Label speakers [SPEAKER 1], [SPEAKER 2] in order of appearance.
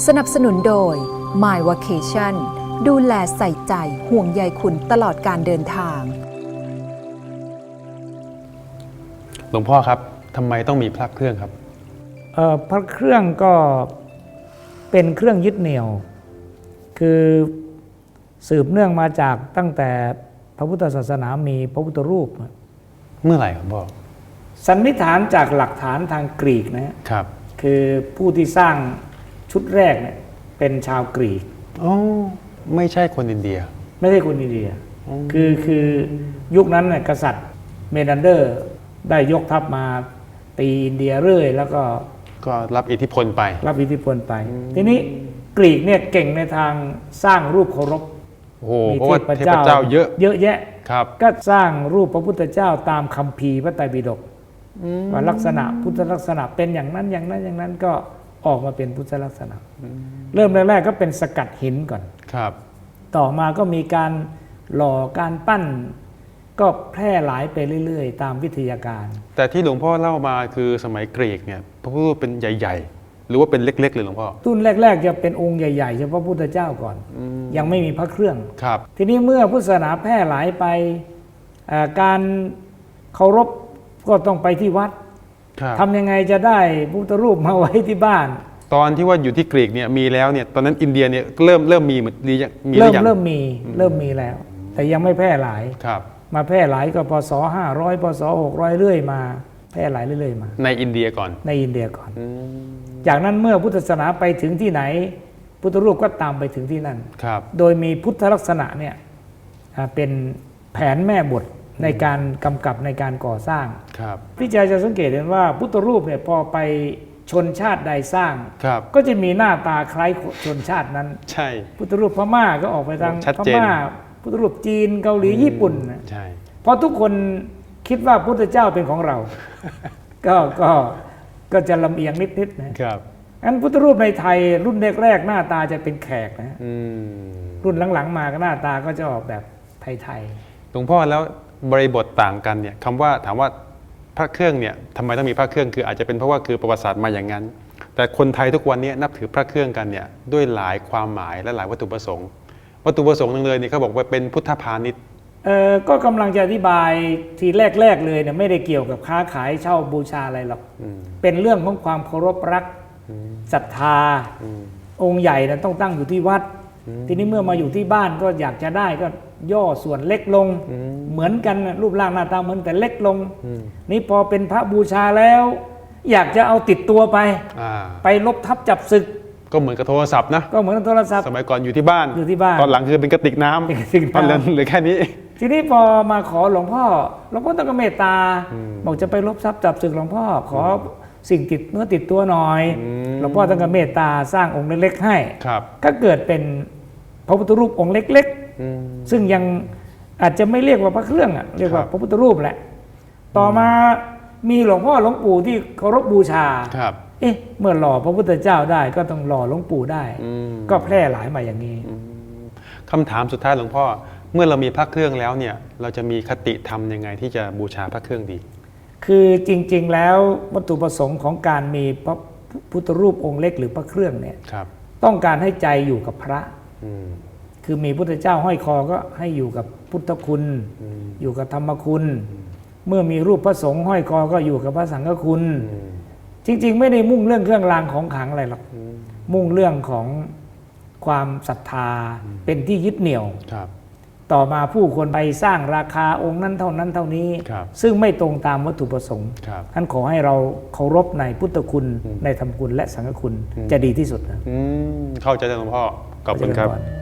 [SPEAKER 1] สนับสนุนโดย My Vacation ดูแลใส่ใจห่วงใยคุณตลอดการเดินทาง
[SPEAKER 2] หลวงพ่อครับทำไมต้องมีพระเครื่องครับ
[SPEAKER 3] พระเครื่องก็เป็นเครื่องยึดเหนี่ยวคือสืบเนื่องมาจากตั้งแต่พระพุทธศาสนามีพระพุทธรูป
[SPEAKER 2] เมื่อไหร่ครับพ่อ
[SPEAKER 3] สันนิษฐานจากหลักฐานทางกรีกนะครับคือผู้ที่สร้างชุดแรกเนี่ยเป็นชาวกรีก
[SPEAKER 2] ไม่ใช่คนอินเดีย
[SPEAKER 3] ไม่ใช่คนอินเดียคือยุคนั้นเนี่ยกษัตริย์เมนันเดอร์ได้ยกทัพมาตีอินเดียเรื่อยแล้วก็
[SPEAKER 2] รับอิทธิพลไป
[SPEAKER 3] ทีนี้กรีกเนี่ยเก่งในทางสร้างรูปเคารพ
[SPEAKER 2] มีเพราะว่าเทพเจ้าเยอะ
[SPEAKER 3] แยะก็สร้างรูปพระพุทธเจ้าตามคัมภีร์พระไตรปิฎกว่าลักษณะพุทธลักษณะเป็นอย่างนั้นก็ออกมาเป็นพุทธลักษณะเริ่มแรกๆก็เป็นสกัดหินก่อนต่อมาก็มีการหล่อการปั้นก็แพร่หลายไปเรื่อยๆตามวิทยาการ
[SPEAKER 2] แต่ที่หลวงพ่อเล่ามาคือสมัยกรีกเนี่ยพระพุทธรูปเป็นใหญ่ๆหรือว่าเป็นเล็กๆเลยหลวงพ่อ
[SPEAKER 3] รุ่นแรกๆจะเป็นองค์ใหญ่ๆเฉพาะพระพุทธเจ้าก่อนยังไม่มีพระเครื่องทีนี้เมื่อพุทธศาสนาแพร่หลายไปการเคารพก็ต้องไปที่วัดทำยังไงจะได้พุทธรูปมาไว้ที่บ้าน
[SPEAKER 2] ตอนที่ว่าอยู่ที่กรีกเนี่ยมีแล้วเนี่ยตอนนั้นอินเดียเนี่ยเริ่มมีเหมือน
[SPEAKER 3] เริ่มมีแล้วแต่ยังไม่แพร่หลายมาแพร่หลายก็พศ500พศ600เรื่อยมาแพร่หลายเรื่อยมา
[SPEAKER 2] ในอินเดียก่อน
[SPEAKER 3] จากนั้นเมื่อพุทธศาสนาไปถึงที่ไหนพุทธรูปก็ตามไปถึงที่นั่นโดยมีพุทธลักษณะเนี่ยเป็นแผนแม่บทในการกำกับในการก่อสร้างพี่ใจจะสังเกตเห็นว่าพุทธรูปเนี่ยพอไปชนชาติใดสร้างก็จะมีหน้าตาคล้ายชนชาตินั้น
[SPEAKER 2] ใช่
[SPEAKER 3] พุทธรูปพม่าก็ออกไปทางพม่าพุทธรูปจีนเกาหลีญี่ปุ่น
[SPEAKER 2] ใช่
[SPEAKER 3] เพราะทุกคนคิดว่าพุทธเจ้าเป็นของเราก็จะลำเอียงนิดๆนะครับงั้นพุทธรูปในไทยรุ่นแรกๆหน้าตาจะเป็นแขกนะรุ่นหลังๆมาก็หน้าตาก็จะออกแบบไทย
[SPEAKER 2] ๆหลวงพ่อแล้วบริบทต่างกันเนี่ยคำว่าถามว่าพระเครื่องเนี่ยทำไมต้องมีพระเครื่องคืออาจจะเป็นเพราะว่าคือประวัติศาสตร์มาอย่างนั้นแต่คนไทยทุกวันนี้นับถือพระเครื่องกันเนี่ยด้วยหลายความหมายและหลายวัตถุประสงค์นึงเลยเนี่ยเขาบอกว่าเป็นพุทธพาณิชย์
[SPEAKER 3] ก็กำลังจะอธิบายทีแรกเลยเนี่ยไม่ได้เกี่ยวกับค้าขายเช่าบูชาอะไรหรอกเป็นเรื่องของความเคารพรักศรัทธาองค์ใหญ่นะต้องตั้งอยู่ที่วัดทีนี้เมื่อมาอยู่ที่บ้านก็อยากจะได้ก็ย่อส่วนเล็กลงเหมือนกันรูปร่างหน้าตาเหมือนแต่เล็กลงนี่พอเป็นพระบูชาแล้วอยากจะเอาติดตัวไปลบทับจับศึก
[SPEAKER 2] ก็เหมือนกับโทรศัพท์นะ
[SPEAKER 3] ก็เหมือนกับโทรศัพท์
[SPEAKER 2] สมัยก่อนอยู่ที่บ้านตอนหลังคือเป็นกระติกน้ำตอนนั้นเหลือแค่นี้
[SPEAKER 3] ทีนี้พอมาขอหลวงพ่อต้องเมตตาบอกจะไปลบทรัพย์จับศึกหลวงพ่อขอสิ่งติดเนื้อติดตัวหน่อยหลวงพ่อต้องเมตตาสร้างองค์เล็กๆให้ก็เกิดเป็นพระพุทธรูปองค์เล็กๆซึ่งยังอาจจะไม่เรียกว่าพระเครื่องเรียกว่าพระพุทธรูปแหละต่อมามีหลวงพ่อหลวงปู่ที่เคารพบูชาเมื่อหล่อพระพุทธเจ้าได้ก็ต้องหล่อหลวงปู่ได้ก็แพร่หลายมาอย่างนี้
[SPEAKER 2] คำถามสุดท้ายหลวงพ่อเมื่อเรามีพระเครื่องแล้วเนี่ยเราจะมีคติธรรมยังไงที่จะบูชาพระเครื่องดี
[SPEAKER 3] คือจริงๆแล้ววัตถุประสงค์ของการมีพระพุทธรูปองค์เล็กหรือพระเครื่องเนี่ยต้องการให้ใจอยู่กับพระคือมีพุทธเจ้าห้อยคอก็ให้อยู่กับพุทธคุณอยู่กับธรรมคุณเมื่อมีรูปพระสงฆ์ห้อยคอก็อยู่กับพระสังฆคุณจริงๆไม่ได้มุ่งเรื่องเครื่องรางของขลังอะไรหรอกมุ่งเรื่องของความศรัทธาเป็นที่ยึดเหนี่ยวต่อมาผู้คนไปสร้างราคาองค์นั้นเท่านั้นเท่านี้ซึ่งไม่ตรงตามวัตถุประสงค์ท่านขอให้เราเคารพในพุทธคุณในธรรมคุณและสังฆคุณจะดีที่สุดนะ
[SPEAKER 2] เข้าใจหลวงพ่อขอบคุณครับ